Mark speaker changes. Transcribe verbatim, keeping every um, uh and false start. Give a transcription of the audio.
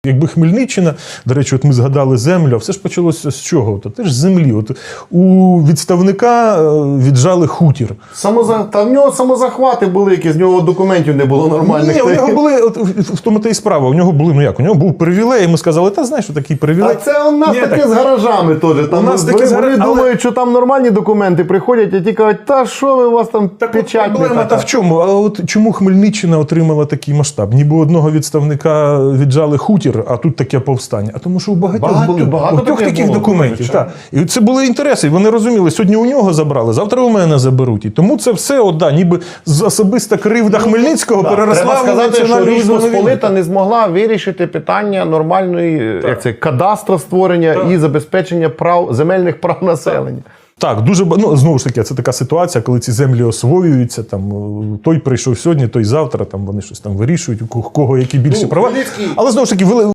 Speaker 1: Якби Хмельниччина, до речі, от ми згадали землю, а все ж почалося з чого? То теж з землі. От у відставника віджали хутір.
Speaker 2: Самоза... Та в нього самозахвати були, які з нього документів не було нормальних.
Speaker 1: Ні, у нього були, от, в тому та й справа, у нього були, ну як, у нього був привілей, і ми сказали, та знаєш, що такий привілей.
Speaker 2: А це у нас
Speaker 1: Ні,
Speaker 2: таке
Speaker 1: так...
Speaker 2: з гаражами теж. Там
Speaker 1: у нас
Speaker 2: вони,
Speaker 1: такі
Speaker 2: вони
Speaker 1: гаражі,
Speaker 2: думають,
Speaker 1: але...
Speaker 2: що там нормальні документи приходять, а ті кажуть, та що ви, у вас там
Speaker 1: так,
Speaker 2: печать не
Speaker 1: проблема та в чому? А от чому Хмельниччина отримала такий масштаб? Ніби одного відставника віджали хутір, а тут таке повстання. А тому що у багатьох
Speaker 2: Багато,
Speaker 1: були
Speaker 2: багато
Speaker 1: у трьох
Speaker 2: таке
Speaker 1: таких
Speaker 2: було,
Speaker 1: документів. Так. І це були інтереси. І вони розуміли, сьогодні у нього забрали, завтра у мене заберуть. І тому це все, от, да, ніби з особиста кривда Хмельницького
Speaker 2: Да,
Speaker 1: переросла
Speaker 2: треба
Speaker 1: в
Speaker 2: сказати, що
Speaker 1: національну
Speaker 2: Річ
Speaker 1: визвольну війну.
Speaker 2: Посполита не змогла вирішити питання нормальної як це, кадастра створення
Speaker 1: Так.
Speaker 2: і забезпечення прав, земельних прав населення.
Speaker 1: Так, дуже ба- ну, знову ж таки, це така ситуація, коли ці землі освоюються, там той прийшов сьогодні, той завтра, там вони щось там вирішують, у кого які більші
Speaker 2: Ну,
Speaker 1: права.
Speaker 2: Хмельницький-
Speaker 1: Але знову ж таки, вели-